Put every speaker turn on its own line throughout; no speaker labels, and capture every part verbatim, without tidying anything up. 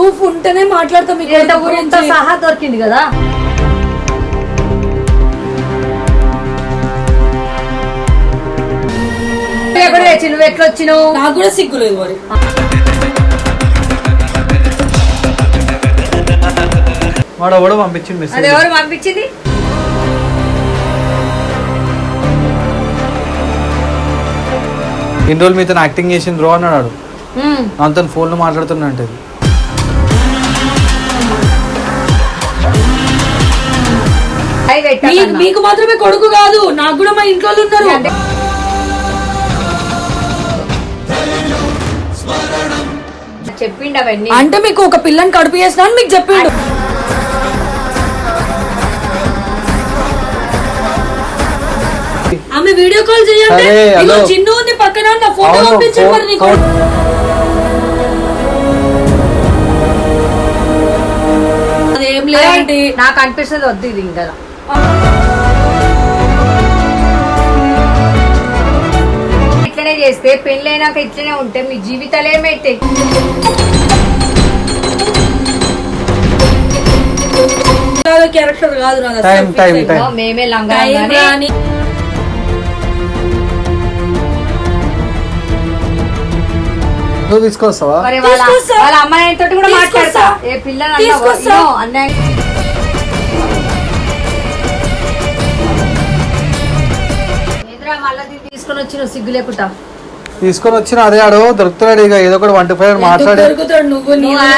Proof ఉంటేనే మాట్లాడతాం. మీకు
ఎంత గురించి సహా దొరికింది కదా. నువ్వు ఎట్లా వచ్చినావు?
నాకు కూడా సిగ్గులేదు మరి.
వాడు ఎవడో పంపించింది.
అది ఎవరు పంపించింది?
ఇన్ని రోజులు మీతో యాక్టింగ్ చేసింది రో అన్నాడు. అంత ఫోన్ లో మాట్లాడుతున్నా అంటే
మీకు మాత్రమే కొడుకు కాదు, నాకు కూడా మా ఇంట్లో ఉన్నారు.
చెప్పిండు అవన్నీ.
అంటే మీకు ఒక పిల్లని కడుపు చేసినా అని మీకు చెప్పిండు. ఆమె వీడియో కాల్ చేయండి. చిన్న ఉంది పక్కన, నా ఫోటో పంపించండి మరి నీకు. అదేం లేదండి,
నాకు అనిపిస్తుంది వద్దు ఇది ఇంకా. ఇట్లనే చేస్తే పెళ్ళైనాక ఇట్లనే ఉంటే మీ జీవితాలు ఏమైతాయి?
క్యారెక్టర్ కాదు
మేమే లంగా.
తీసుకొస్తావా?
వాళ్ళ అమ్మాయి తోటి కూడా మాట్లాడతా. ఏ పిల్లలు అన్న మళ్ళీ తీసుకొని వచ్చిన సిగ్గు లేకుండా
తీసుకొని వచ్చిన అదే ఆడు దొరుకుతున్నాడు. ఇక ఏదో ఒకటి వన్ ఫైవ్ మాట్లాడే
దొరుకుతాడు. నువ్వు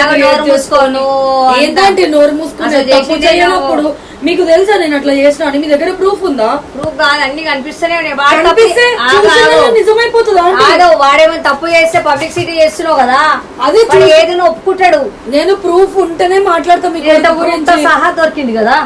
ఏంటంటే నోరు మూసుకున్నప్పుడు మీకు తెలుసా నేను అట్లా చేసిన అని? మీ దగ్గర ప్రూఫ్ ఉందా?
ప్రూఫ్ కాదు, అన్ని కనిపిస్తూనే
నిజమైపోతుందా?
వాడేమో తప్పు చేస్తే పబ్లిసిటీ చేస్తున్నావు కదా, అది ఏదైనా ఒప్పుకుంటాడు.
నేను ప్రూఫ్ ఉంటేనే మాట్లాడతా. మీకు ఎంత గురించి
సహా దొరికింది కదా.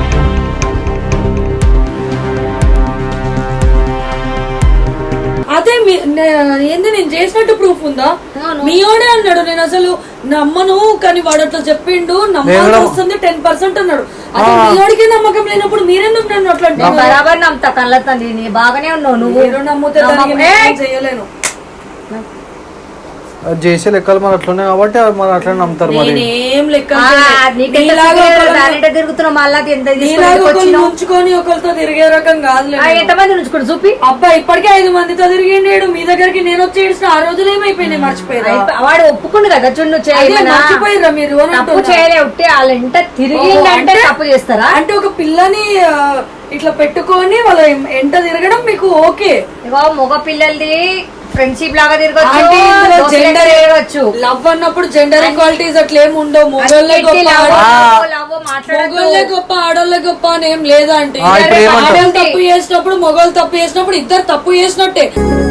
అదే ఏంది నేను చేసినట్టు ప్రూఫ్ ఉందా? మీయోడే అన్నాడు నేను అసలు నమ్మను, కానీ వాడు అట్లా చెప్పిండు నమ్మాల్సి వస్తుంది టెన్ పర్సెంట్ అన్నాడు. అదే మీయోడికి నమ్మకం లేనప్పుడు మీరెందుకు నన్ను అట్లా
బరాబర్ నమ్ముతా. కళ్ళ తండ్రి బాగానే ఉన్నావు నువ్వు.
నమ్ముతే చేయలేను.
చేసే లెక్కలు మరి అట్లనే కాబట్టి మరి అట్లా నమ్ముతారు.
ఉంచుకొని ఒకరితో తిరిగే రకం కాదు.
ఎంతమంది ఉంచుకోండి చూపి.
అబ్బా ఇప్పటికే ఐదు మందితో తిరిగిండు. మీ దగ్గరికి నేను వచ్చి ఏడ్చిన ఆ రోజులు ఏమైపోయినాయి మర్చిపోయారా?
వాడు ఒప్పుకుండు కదా చున్ను
మర్చిపోయారా మీరు?
తప్పు చేయలే ఉంటే వాళ్ళ ఇంట తిరిగిందంటే తప్పు చేస్తారా?
అంటే ఒక పిల్లని ఇట్లా పెట్టుకొని వాళ్ళ ఎంట తిరగడం మీకు ఓకే?
ఇగో మగ పిల్లలది ఫ్రెండ్షిప్ లాగా తిరగచ్చు.
లవ్ అన్నప్పుడు జెండర్ ఈక్వాలిటీస్ అట్లా ఏమి ఉండవు. మొగోళ్ళే గొప్ప మొగోళ్ళే గొప్ప ఆడోళ్ళే గొప్ప అని ఏం లేదా? అంటే ఆడోళ్ళు తప్పు చేసినప్పుడు మొగోళ్ళు తప్పు చేసినప్పుడు ఇద్దరు తప్పు చేసినట్టే.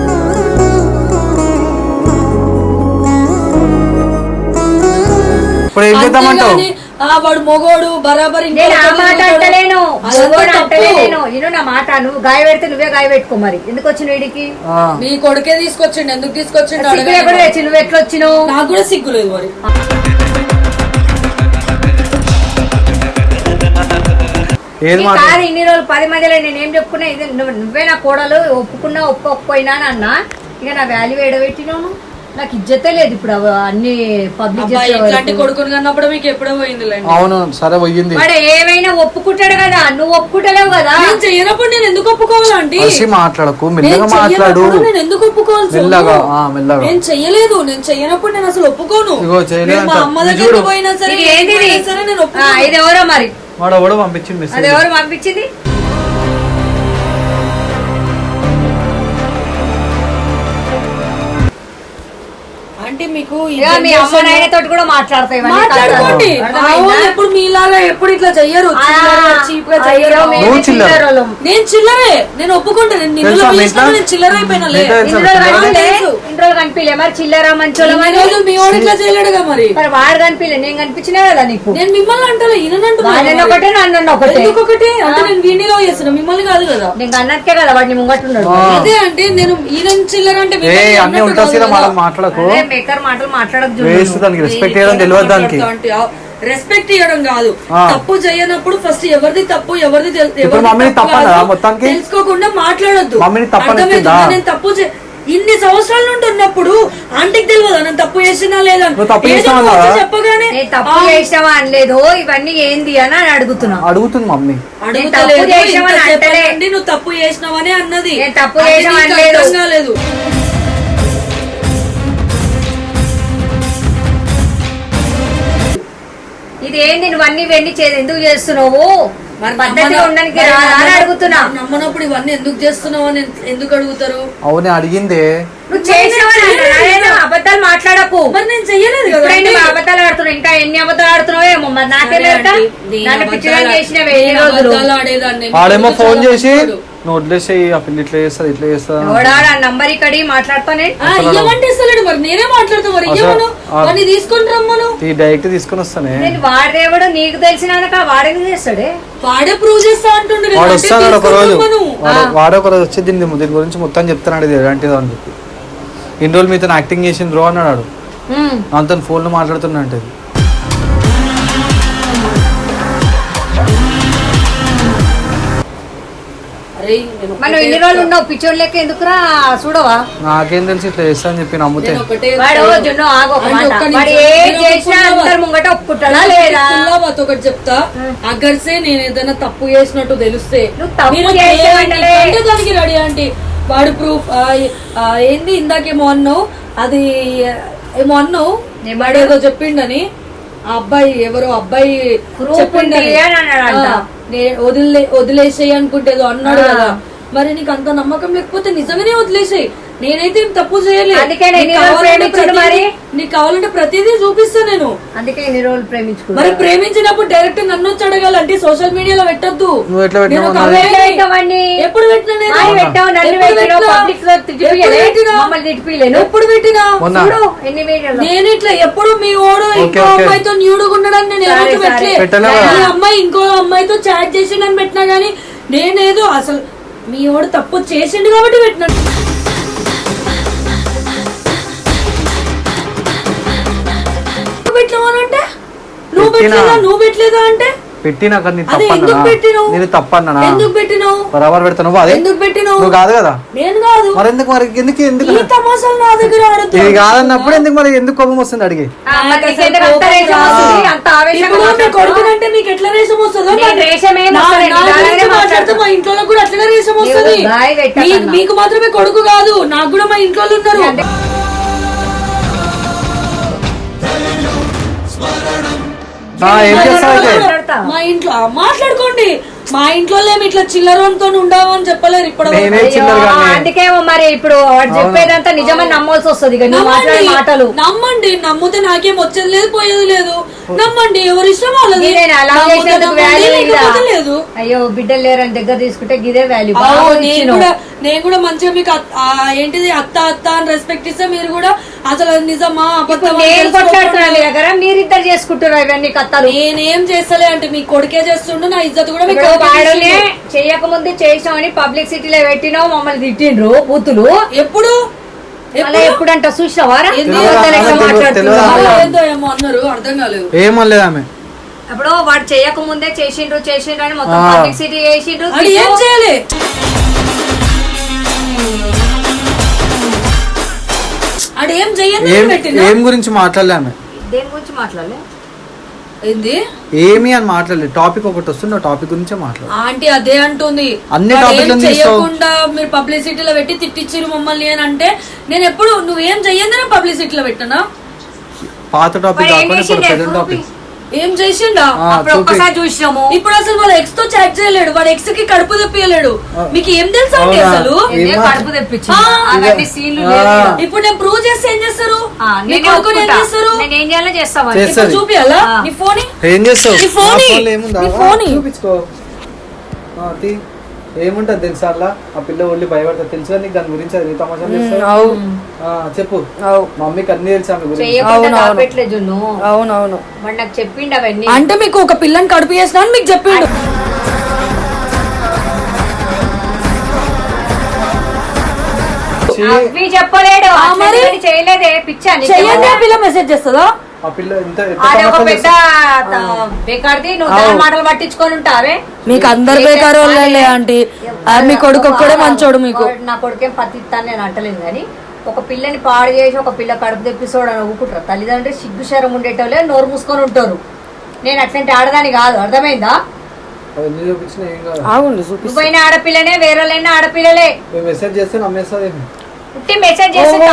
వాడు మొగోడు బరాబర్.
అంటలేను నా మాట. నువ్వు గాయ పెడితే నువ్వే గాయ పెట్టుకో. మరి ఎందుకు వచ్చిన వీడికి?
నీ కొడుకే తీసుకొచ్చిండు. ఎందుకు తీసుకొచ్చిండు?
నువ్వు ఎట్లా వచ్చినావు?
నాకు కూడా సిగ్గులేదు మరి.
ఇన్ని రోజులు పది మందిలో నేనేం చెప్పుకున్నా? ఇది నువ్వే నా కోడలు, ఒప్పుకున్నా ఒప్పుకోకపోయినా అన్నా. ఇక నా వాల్యూ ఏడబెట్టినాను. నాకు ఇజ్జతే లేదు ఇప్పుడు అన్ని పబ్లిక్
కొడుకుని కన్నప్పుడు మీకు ఎప్పుడో పోయింది.
అవును సరే పోయింది.
వాడు ఏమైనా ఒప్పుకుంటాడు కదా, నువ్వు ఒప్పుకుంటలేవు కదా.
నేను చేయనప్పుడు నేను ఎందుకు ఒప్పుకోవాలండి?
మాట్లాడకు, మెల్లగా మాట్లాడు.
నేను ఎందుకు ఒప్పుకోవాలి? నేను చెయ్యలేదు. నేను చెయ్యనప్పుడు నేను అసలు ఒప్పుకోను. మా అమ్మ దగ్గర పోయినా సరే సరే నేను ఒప్పుకోను.
ఇది ఎవరో మరి
వాడు ఎవడో పంపించింది.
అది ఎవరు పంపించింది?
అంటే మీకు
మీ అమ్మ నాయన తోటి కూడా మాట్లాడతాయి.
మాట్లాడుకోండి. ఎప్పుడు మీలాగా ఎప్పుడు ఇట్లా చెయ్యరు. చీప్ గా చెయ్యరు. నేను చిల్లరే. నేను ఒప్పుకుంటా. నేను చిల్లర అయిపోయినా.
కనిపించలే మరి చిల్లర మంచోళ్ళ
మీ వాడు ఇట్లా చేయలేడుగా మరి.
మరి వాడు కనిపించలే, నేను కనిపించినా కదా నీకు.
నేను మిమ్మల్ని అంటాను. ఈయన
ఒకటే నన్ను ఒకటే
ఒకటి అంటే నేను వీడిలో చేస్తున్నా, మిమ్మల్ని కాదు కదా.
నేను అన్నట్టే కదా వాడిని ముంగట్టున్నాడు.
అదే అంటే నేను ఈయన చిల్లర అంటే
మాట్లాడకు.
మాటలు మాట్లాడక
రెస్పెక్ట్ ఇవ్వడం కాదు. తప్పు చేయనప్పుడు ఫస్ట్ ఎవరిది తప్పు ఎవరిది తెలుసుకోకుండా మాట్లాడొద్దు. నేను తప్పు ఇన్ని సంవత్సరాల నుండి ఉన్నప్పుడు ఆంటీకి తెలియదు నేను తప్పు చేసినా లేదా చెప్పగానే
నేను తప్పు చేసావా అనలేదు, ఇవన్నీ ఏంది అని అని అడుగుతున్నా.
అడుగుతుంది మమ్మీ.
అడుగుతలేదు నువ్వు తప్పు చేసినావని అన్నది.
నేను తప్పు చేసావా అనలేదు. ఇది ఏంది నువ్వు అన్ని వెండి చేది ఎందుకు చేస్తున్నావు, మరి పద్ధతిగా ఉండడానికి రాదా అని అడుగుతున్నా.
నమ్మనప్పుడు ఇవన్నీ ఎందుకు చేస్తున్నావు అని ఎందుకు అడుగుతారు?
అవునే అడిగిందే.
నువ్వు చేసినావని అబద్ధాలు మాట్లాడకు.
మరి నేను చెయ్యలేదు కదా.
అబద్ధాలు ఆడుతున్నావు, ఇంకా ఎన్ని అబద్ధాలు ఆడుతున్నావో ఏమో మరి నాకే లేదా. నన్ను పిచ్చిగా చేసినవి ఎన్ని రోజులు.
వాడేమో ఫోన్ చేసి నువ్వు వదిలేసేయి, ఆ పిల్ల ఇట్లా చేస్తుంది ఇట్లా చేస్తా
నంబర్ ఇక్కడ మాట్లాడుతానే
ఇవ్వమంటే ఇస్తలేడు. మరి నేనే మాట్లాడుతా, మరి ఇవ్వను వాడిని తీసుకొని రమ్మను.
డైరెక్ట్ తీసుకొని వస్తానే.
నేను వాడేవాడు నీకు తెలిసినాక వాడేది చేస్తాడే,
వాడే ప్రూవ్ చేస్తా అంటుండే.
వాడు వస్తాడు ఒక రోజు, వాడే ఒక రోజు వచ్చి దీని దీని గురించి మొత్తం చెప్తాడు ఇది ఎలాంటిదో అని చెప్పి. ఇన్ని రోజులు మీతో యాక్టింగ్ చేసింది రో అన్నాడు. అంత ఫోన్ లో మాట్లాడుతున్నా అంటే
మనం ఎన్ని రోజులు ఉన్నావు పిచ్చోడు లెక్క ఎందుకురా చూడవా?
నాకేం తెలిసి ఇట్లా చేస్తా అని చెప్పి నమ్ముతే
ముంగట ఒప్పుకుంటాడా లేదా?
ఒకటి చెప్తా, అగర్సే నేను ఏదైనా తప్పు చేసినట్టు తెలిస్తే దానికి రెడీ అంటే వాడు ప్రూఫ్ ఏంది ఇందాకేమో అన్నావు, అది ఏమో అన్నావు వాడు ఏదో చెప్పిండని. ఆ అబ్బాయి ఎవరో అబ్బాయి చెప్పిండని వదిలే వదిలేసేయి అనుకుంటే ఏదో అన్నాడు కదా. మరి నీకు అంత నమ్మకం లేకపోతే నిజంగానే వదిలేసేయి. నేనైతే ఏం తప్పు చేయలేదు. నీకు కావాలంటే ప్రతిదీ చూపిస్తా నేను.
అందుకే ఎన్ని రోజులు ప్రేమించుకున్నా.
మరి ప్రేమించినప్పుడు డైరెక్ట్ నన్ను వచ్చి అడగాలంటే సోషల్ మీడియాలో పెట్టద్దు. ఎప్పుడు పెట్టినా నేను ఇట్లా ఎప్పుడు మీ ఓడు ఇంకో అమ్మాయితో న్యూడుగా ఉండడానికి నేను ఎవరికి పెట్టలే. ఈ అమ్మాయి ఇంకో అమ్మాయితో చాట్ చేసి నన్ను పెట్టినా గానీ నేనేదో అసలు మీ ఓడు తప్పు చేసిండు కాబట్టి పెట్టినాడు. పెట్టినావనంటే నువ్వు పెట్టలేదా నువ్వు పెట్టలేదా అంటే
పెట్టినా
నేను
తప్పన్నా.
ఎందుకు పెట్టినావు?
బరాబర్ పెడతాను. అదే
ఎందుకు పెట్టినావు?
నువ్వు కాదు కదా.
నేను కాదు.
మరి ఎందుకు మరి ఎందుకు ఎందుకు
ఈ తమాసాలు నా దగ్గర ఆడొద్దు.
ఇది కాదన్నప్పుడు ఎందుకు మరి ఎందుకు కోపం వస్తుంది అడిగి?
కొడుకునంటే మీకు ఎట్లా రేషం వస్తుందో మాట్లాడితే మా ఇంట్లో కూడా అట్లనే రేషం వస్తుంది. మీకు మాత్రమే కొడుకు కాదు, నాకు కూడా మా ఇంట్లో ఉన్నారు. మా ఇంట్లో మాట్లాడుకోండి. మా ఇంట్లో ఏమి ఇట్లా చిల్లరతో ఉండవు అని చెప్పలేరు ఇప్పుడు.
అందుకేమో మరి ఇప్పుడు చెప్పేదంతా నిజమని నమ్మాల్సి వస్తుంది. మాటలు
నమ్మండి, నమ్మితే నాకేం వచ్చేది లేదు పోయేది లేదు. నమ్మండి, ఎవరి ఇష్టం వాళ్ళది. లేదు
అయ్యో బిడ్డలు లేరని దగ్గర తీసుకుంటే గిదే వాల్యూ.
నేను కూడా మంచిగా మీకు ఏంటిది అత్త అత్త అని రెస్పెక్ట్ ఇస్తే మీరు కూడా అసలు నిజమా అబద్ధం
దగ్గర మీరిద్దరు చేసుకుంటున్నారు ఇవన్నీ కథలు.
నేనేం చేస్తలే అంటే మీ కొడుకే చేస్తుండు, నా ఇజ్జత్ కూడా మీకు
చేయకముందు చేసామని పబ్లిక్ సిటీలో పెట్టినావు, మమ్మల్ని తిట్టిండ్రు బూతులు.
ఎప్పుడు
ఎప్పుడంట చూసినావా?
ఏమో అన్నారు అర్థం కాలేదు.
ఏమనలేదు ఆమె.
ఇప్పుడు వాడు చేయకముందే చేసిండ్రు చేసిండ్రు అని మొత్తం పబ్లిక్ సిటీ చేసిండ్రు.
ఏం చేయాలి? అది ఏం చెయ్యను.
ఏం గురించి మాట్లాడలే ఆమె.
దేని గురించి మాట్లాడలే?
ఏంది
ఏమి అని మాట్లాడలేదు. టాపిక్ ఒకటి వస్తుంది, టాపిక్ గురించే మాట్లాడు.
ఆంటీ అదే అంటుంది,
అన్ని టాపిక్
చేయకుండా మీరు పబ్లిసిటీలో పెట్టి తిట్టించారు మమ్మల్ని అని అంటే నేను ఎప్పుడు నువ్వేం చెయ్యండి పబ్లిసిటీలో పెట్టనా?
పాత టాపిక్ కాకుండా ఇప్పుడు ప్రెజెంట్ టాపిక్.
ఏం చేసిండా
ఒక్కసారి చూసినాము.
ఇప్పుడు అసలు వాళ్ళ ఎక్స్ తో చాట్ చేయలేడు, వాడు ఎక్స్ కి కడుపు తెప్పియలేడు. మీకు ఏం తెలుసా అండి అసలు
కడుపు తెప్పించి?
ఇప్పుడు నేను ప్రూవ్ చేస్తే ఏం చేస్తారు?
ఏం చేయాలో చేస్తావా?
చూపియాలా నీ ఫోన్?
ఏం చేస్తావు?
నీ ఫోన్
చూపించుకో. ఏముంటది తెలుసా అలా ఆ పిల్ల ఒళ్ళు భయపడతా తెలుసు నీకు దాని గురించి. అది తమాషా చెప్పు. మమ్మీకి అన్ని తెలుసు ఆమె గురించి.
అవునవును
నాకు చెప్పిండు అవన్నీ.
అంటే మీకు ఒక పిల్లని కడుపు చేసినా మీకు చెప్పిండు.
చెప్పలేడు చేయలేదే పిచ్చా.
చెయ్యండి, ఆ పిల్ల మెసేజ్ చేస్తుందా?
ఆ పిల్ల ఎంత
ఆడే ఒక పెద్ద బేకార్ది నువ్వు దాని మాటలు పట్టించుకొని ఉంటావే.
మీకు అందరు బేకారు వాళ్ళే ఆంటీ, మీ కొడుకు ఒక్కడే మంచోడు. మీకు
నా కొడుకేం పత్తిస్తాను నేను అంటలేదు కానీ ఒక పిల్లని పాడు చేసి ఒక పిల్ల కడుపు తెప్పిస్తాడు అని ఊకుంటారు తల్లిదండ్రులు. సిగ్గు శరం ఉండేటోళ్ళే నోరు మూసుకొని ఉంటారు. నేను అట్లాంటి ఆడదాని కాదు, అర్థమైందా? నువ్వైనా ఆడపిల్లనే, వేరేలైనా ఆడపిల్లలే.
మెసేజ్ చేస్తే నమ్మేస్తుంది.
మెసేజ్ చేస్తే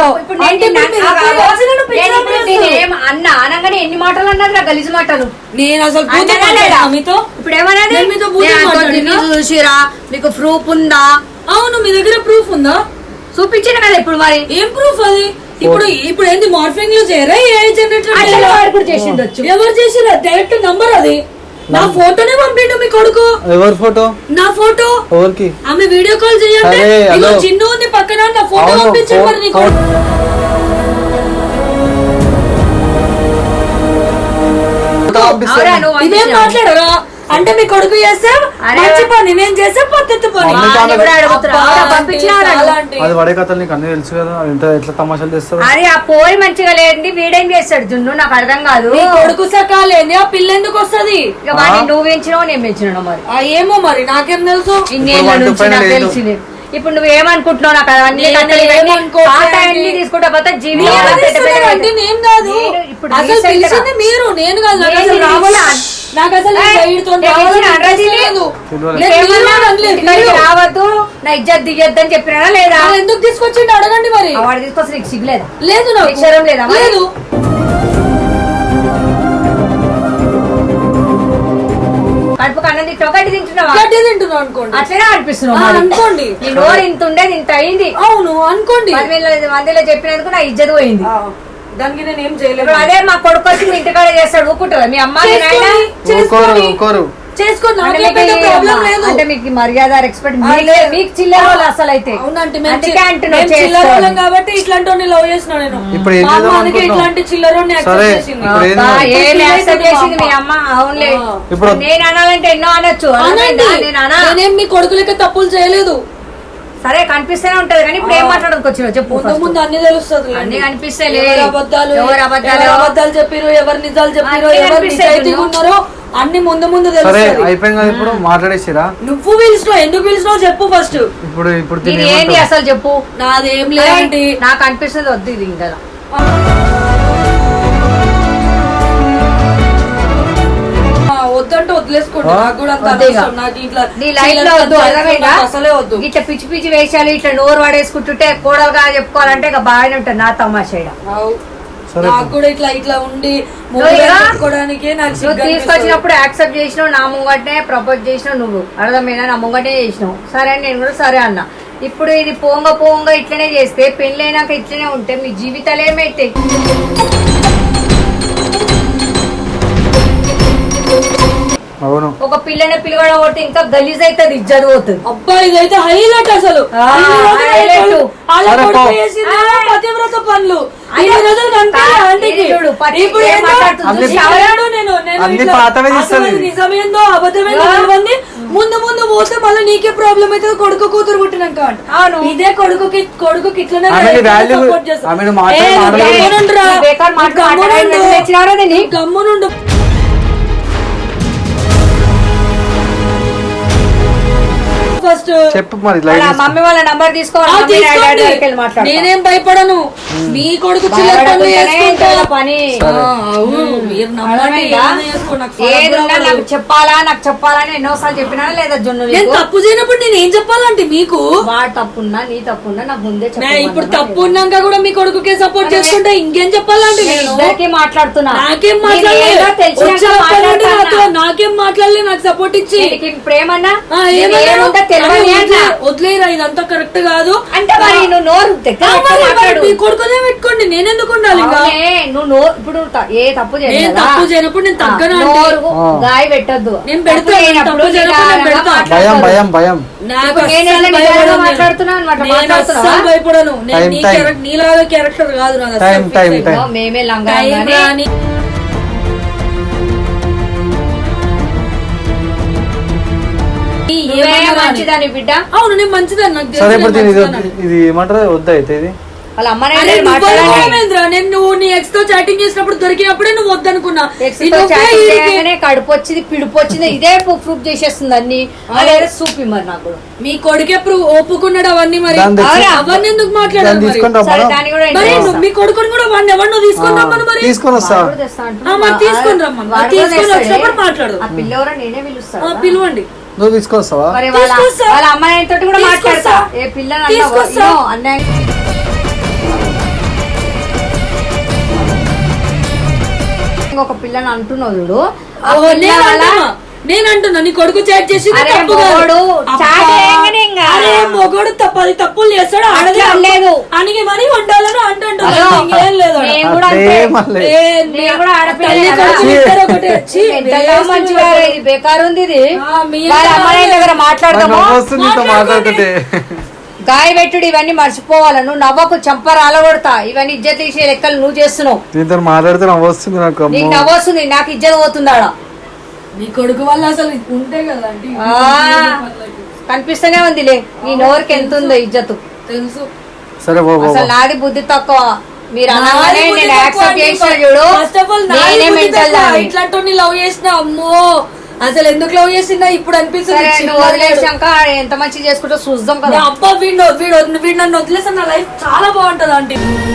అన్న అనగానే ఎన్ని మాటలు అన్నది నా గలీజు మాటలు.
నేను అసలు
ఇప్పుడు ఏమన్నా చూసిరా మీకు ప్రూఫ్ ఉందా?
అవును, మీ దగ్గర ప్రూఫ్ ఉందా?
చూపించిన కదా. ఇప్పుడు మరి
ఏం ప్రూఫ్ అది? ఇప్పుడు ఇప్పుడు ఏంది మార్ఫింగ్ లో చేయరా? ఏ జనరేటర్
చేసిండొచ్చు.
ఎవరు చేసిరా? డైరెక్ట్ నంబర్ అది. నా ఫోటోనే పంపిండు మీ కొడుకు.
ఎవరి ఫోటో?
నా ఫోటో.
ఎవరికి?
ఆమె వీడియో కాల్ చేయండి. చిన్న ఉంది పక్కన, నా ఫోటో పంపించారు. మరి నీకు ఇదేం మాట్లాడరా? అంటే మీ కొడుకు చేస్తే మంచి పని, నేను చేస్తే పద్ధతి పని.
అది పడే కథలు నీకు అన్ని తెలుసు కదా, ఎట్లా తమాషాలు చేస్తావు?
అరే ఆ పోయి మంచిగా లేదండి, వీడేం చేస్తాడు జున్ను? నాకు అర్థం కాదు.
కొడుకు సకాలేంది, ఆ పిల్ల ఎందుకు వస్తుంది?
నువ్వు పెంచినావు నేను పెంచినావు మరి
ఏమో మరి నాకేం తెలుసు.
ఇన్నేళ్ళ నుంచి నాకు తెలిసింది. ఇప్పుడు నువ్వు ఏమనుకుంటున్నావు? నాకు అవన్నీ తీసుకుంటా పోతే జీవి
ఏం కాదు. ఇప్పుడు అసలు తెలిసింది మీరు, నేను కాదు. నాకు అసలు
రావద్దు, నా ఇజ్జత్ దిగద్దు అని చెప్పినా లేదా?
ఎందుకు తీసుకొచ్చిండు అడగండి మరి.
వాడు తీసుకొచ్చి నీకు సిగ్గులేదా?
లేదు,
అక్షరం లేదా?
లేదు.
కడుపుకు అన్నం తింటావు, గడ్డి తింటున్నావా?
గడ్డి తింటున్నావు అనుకోండి,
అట్లనే అనిపిస్తున్నావు
అనుకోండి.
నీ నోరు ఇంత ఉండేది ఇంత అయింది.
అవును అనుకోండి.
మందిలో చెప్పినందుకు నా ఇజ్జత్ పోయింది.
దానికి నేను ఏం చేయలేదు.
అదే మా కొడుకు వచ్చి మీ ఇంటికాడ చేస్తాడు, ఊకుంటారు మీ అమ్మ
చేసుకోండి.
అంటే మీకు మర్యాద రెస్పెక్ట్ మీకు చిల్లర వాళ్ళు అసలు అయితే
కాబట్టి ఇట్లాంటి లవ్ చేసిన నేను. ఇట్లాంటి చిల్లరోని
చేసింది మీ అమ్మ. అవునులే, నేను అనాలంటే ఎన్నో అనొచ్చు.
నేనేం మీ కొడుకులకి తప్పులు చేయలేదు.
సరే కనిపిస్తూనే ఉంటది కానీ ఇప్పుడు ఏం మాట్లాడుకొచ్చినావు చెప్పు.
ముందు ముందు అన్ని తెలుస్తుంది.
అన్ని కనిపిస్తే
అబద్ధాలు అబద్ధాలు చెప్పారు, ఎవరు నిజాలు చెప్పారు, ఎవరు నిజాయితీగా ఉన్నారో అన్ని ముందు ముందు తెలుస్తుంది.
అయిపోయింది. ఇప్పుడు మాట్లాడేసిరా?
నువ్వు పిలిచినావు, ఎందుకు పిలిచినావు చెప్పు ఫస్ట్.
ఇప్పుడు ఇప్పుడు
ఏంటి అసలు చెప్పు.
నాదేం లేదండి,
నాకు అనిపిస్తుంది వద్దు ఇది ఇంకా.
వద్దంటే వదిలేసుకోండి. నాకు కూడా అసలే వద్దు.
ఇట్లా పిచ్చి పిచ్చి వేషాలు ఇట్లా నోరు వాడేసుకుంటుంటే కోడలుగా చెప్పుకోవాలంటే ఇక బాగానే ఉంటుంది. నా తమాషా
నాకు కూడా ఇట్లా ఇట్లా ఉండి
తీసుకొచ్చినప్పుడు యాక్సెప్ట్ చేసినావు. నా ముంగటే ప్రపోజ్ చేసినావు, నువ్వు అర్థమైనా నా ముంగటే చేసినావు. సరే నేను కూడా సరే అన్నా. ఇప్పుడు ఇది పోంగ పోంగ ఇట్లనే చేస్తే పెళ్ళైనాక ఇట్లనే ఉంటే మీ జీవితాలు ఏమైతాయి?
అవును,
ఒక పిల్లని పిల్లగడ కొట్టి ఇంకా గలీజ్ అవుతుంది, ఇజ్జత్ పోతుంది.
అబ్బా ఇదైతే హైలైట్ అసలు. పతివ్రత పనులు నిజమేందో అబద్ధమేందో ముందు ముందు పోతే మళ్ళీ నీకే ప్రాబ్లం అయితే కొడుకు కూతురు పుట్టినాక. ఇదే కొడుకుకి కొడుకుకి ఇట్లనే గమ్మునుండు. ఫస్ట్
చెప్పు మరి.
మమ్మీ వాళ్ళ నంబర్ తీసుకోవాలి.
నేనేం భయపడను. మీ కొడుకు చిల్లర పని
నాకు చెప్పాలా నాకు చెప్పాలని ఎన్నోసార్లు చెప్పినా లేదా జొన్ను.
నేను తప్పు చేయనప్పుడు నేను ఏం చెప్పాలంటే మీకు?
వాడు తప్పున్నా నీ తప్పున్నా నాకు ముందే
ఇప్పుడు తప్పు ఉన్నాక కూడా మీ కొడుకుకే సపోర్ట్ చేసుకుంటే ఇంకేం చెప్పాలంటే నేను
మాట్లాడుతున్నా.
నాకేం మాట్లాడలేదు, నాకేం మాట్లాడలేదు. నాకు సపోర్ట్ ఇచ్చి
ప్రేమన్నా
వదిలేరా, ఇదంతా కరెక్ట్ కాదు
అంటే మరి నువ్వు నోరు
మీ కొడుకునే పెట్టుకోండి. నేనెందుకు ఉండాలి?
నువ్వు ఇప్పుడు ఏ తప్పు
తప్పు చేయనప్పుడు నేను తగ్గను.
గాయ పెట్టద్దు.
నేను పెడతాను.
భయం భయం భయం
భయపడను. నీలాగా క్యారెక్టర్ కాదు నాది.
మేమే లంగా మంచిదని బిడ్డ.
అవును నేను మంచిదని నాకు
ఇది ఏమంటారు వద్దా అయితే ఇది
వాళ్ళ అమ్మ
అరే
నాయన
నువ్వు
మాట్లాడాలి.
అనుకోవేంద్రా, నేను నువ్వు నీ ఎక్స్ తో చాటింగ్ చేసినప్పుడు దొరికినప్పుడే నువ్వు వద్దనుకున్నా.
ఎక్స్
ఈ
తో
నొప్పే
చాటింగ్
ఈడికి.
చేయగానే కడుపు వచ్చింది పిడుపు వచ్చింది ఇదే ప్రూఫ్ చేసేస్తుంది అన్ని అదే సూపి మరి నాకు
మీ కొడుకు ఎప్పుడు ఒప్పుకున్నాడు అవన్నీ మరి
దాన్ని తెచ్చి-
అవునా? అవన్నీ ఎందుకు మాట్లాడాలి
దాన్ని
మరి?
తీసుకొని
సరే
రమ్మను.
దాన్ని కూడా
మరి
ఎంజాయ్
నువ్వు- మీ కొడుకుని కూడా వాడిని ఎవరినో తీసుకొని రమ్మను మరి.
తీసుకొని వస్తా
వాడు కూడా తెస్తా అంటున్నాడు.
ఆ, మరి తీసుకొని రమ్మను.
వాడు కూడా
తీసుకొని
తెస్తాడే.
వచ్చినప్పుడు మాట్లాడు.
ఆ పిల్లవరా నేనే
ఆ,
పిలుస్తాను
పిలవండి.
నువ్వు తీసుకొస్తావా?
మరి వాళ్ళ
తీసుకొస్తా.
వాళ్ళ అమ్మాయి తోటి కూడా
తీసుకొస్తా.
మాట్లాడతా ఏ పిల్లని
తీసుకొస్తా.
అన్యాయం ఒక పిల్లని అంటున్నావు చూడు ఆ
ఓ,
పిల్ల
నేను
వాళ్ళ-
అంటున్నా. నేను అంటున్నా నీ కొడుకు చాట్ చేసి
అరే మొగోడు చాట్ చేయగానే ఇంకా.
అరే మొగోడు తప్పు అది తప్పులు చేస్తాడు ఆడదే
అట్లా లేదు.
అనిగి మరి వండాలని అంటుంటా
అదో,
ఇంకేం లేదు ఆడ.
నేను కూడా
అట్లే
అంతే.
మళ్ళీ.
ఏ,
నేను కూడా ఆడపిల్ల
తల్లి
కదా.
కొడుకులు ఇద్దరు ఒకటే. ఛీ,
ఎంతగా
వేస్ట్
మంచిగా
వీళ్ళు.
ఇది బేకార్ ఉంది ఇది
ఆ, మీ
వాళ్ళ
అంతా
అమ్మాయి దగ్గర
నాకు
మాట్లాడదాము
నవ్వు వస్తుంది నీతో మాట్లాడుతుంటే.
గాయ పెట్టుడు ఇవన్నీ మర్చిపోవాలి నువ్వు నవ్వకు చంప రాలగొడతా ఇవన్నీ ఇజ్జత్ తీసే లెక్కలు నువ్వు చేస్తున్నావు
దీంతో మాట్లాడితే నవ్వు వస్తుంది నాకు. అమ్మో.
నీకు నవ్వొస్తుంది నాకు ఇజ్జత్ పోతుంది ఆడ
నీ కొడుకు వల్ల అసలు ఉంటే కదా ఆంటీ.
ఆ, కనిపిస్తూనే ఉందిలే నీ నోరుకి ఎంత ఉందో ఇజ్జతు
తెలుసు.
సరే పో, పో, పో.
అసలు నాది బుద్ధి తక్కువ మీరు అనగానే
నాది బుద్ధి
నేను
తక్కువ
యాక్సెప్ట్
అంటే
చేసిన చూడు
ఫస్ట్ ఆఫ్ ఆల్ నాది
నేనే
బుద్ధి
మెంటల్
తక్కువ.
దాన్ని.
ఇట్లాంటి లవ్ చేసినా అమ్మో అసలు ఎందుకు లవ్ చేసిందా ఇప్పుడు అనిపిస్తుంది.
సరే నువ్వు
చిన్నగా
వదిలేసాక ఎంత మంచి చేసుకుంటో చూద్దాం
నా
కదా
అబ్బా వీడు వీడు వీడు నన్ను వదిలేస్తే నా లైఫ్ చాలా బాగుంటది ఆంటీ.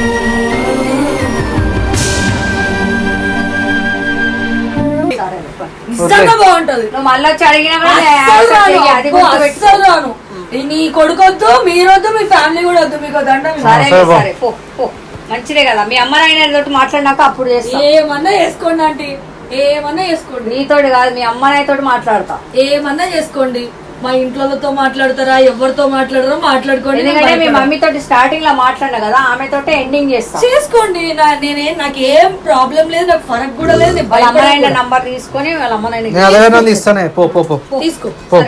నిజంగా బాగుంటది.
నువ్వు మళ్ళీ వచ్చి అడిగినా కూడా నేను
అస్సలు
accept
రాను.
చెయ్యి. అది
అబ్బో,
గుర్తుపెట్టుకో.
అస్సలు రాను. నీ కొడుకొద్దు మీరొద్దు మీ ఫ్యామిలీ కూడా వద్దు మీకు దండం.
సరే
సరే పో.
సరే పో పో మంచిదే కదా మీ అమ్మ నాయన తోటి మాట్లాడినాక అప్పుడు చేస్తా
ఏమన్నా చేసుకోండి ఆంటీ, ఏమన్నా చేసుకోండి,
నీతోటి కాదు మీ అమ్మ నాయన తోటి మాట్లాడతా
ఏమన్నా చేసుకోండి. మా ఇంట్లోతో మాట్లాడతారా ఎవరితో మాట్లాడతారో మాట్లాడుకోండి.
ఎందుకంటే మీ మమ్మీ తోటి స్టార్టింగ్ లో మాట్లాడినా కదా ఆమె తోటి ఎండింగ్ చేస్తా
చేసుకోండి. నా- నేనే నాకు ఏం ప్రాబ్లం లేదు, నాకు ఫరక్ కూడా లేదు. నేను
వాళ్ళ అమ్మ
భయపడను
నాయన
కూడా.
నంబర్ తీసుకొని వాళ్ళ అమ్మ నాయన
నేను అదే ఇస్తానే. పో పో పో
తీసుకో.
పో.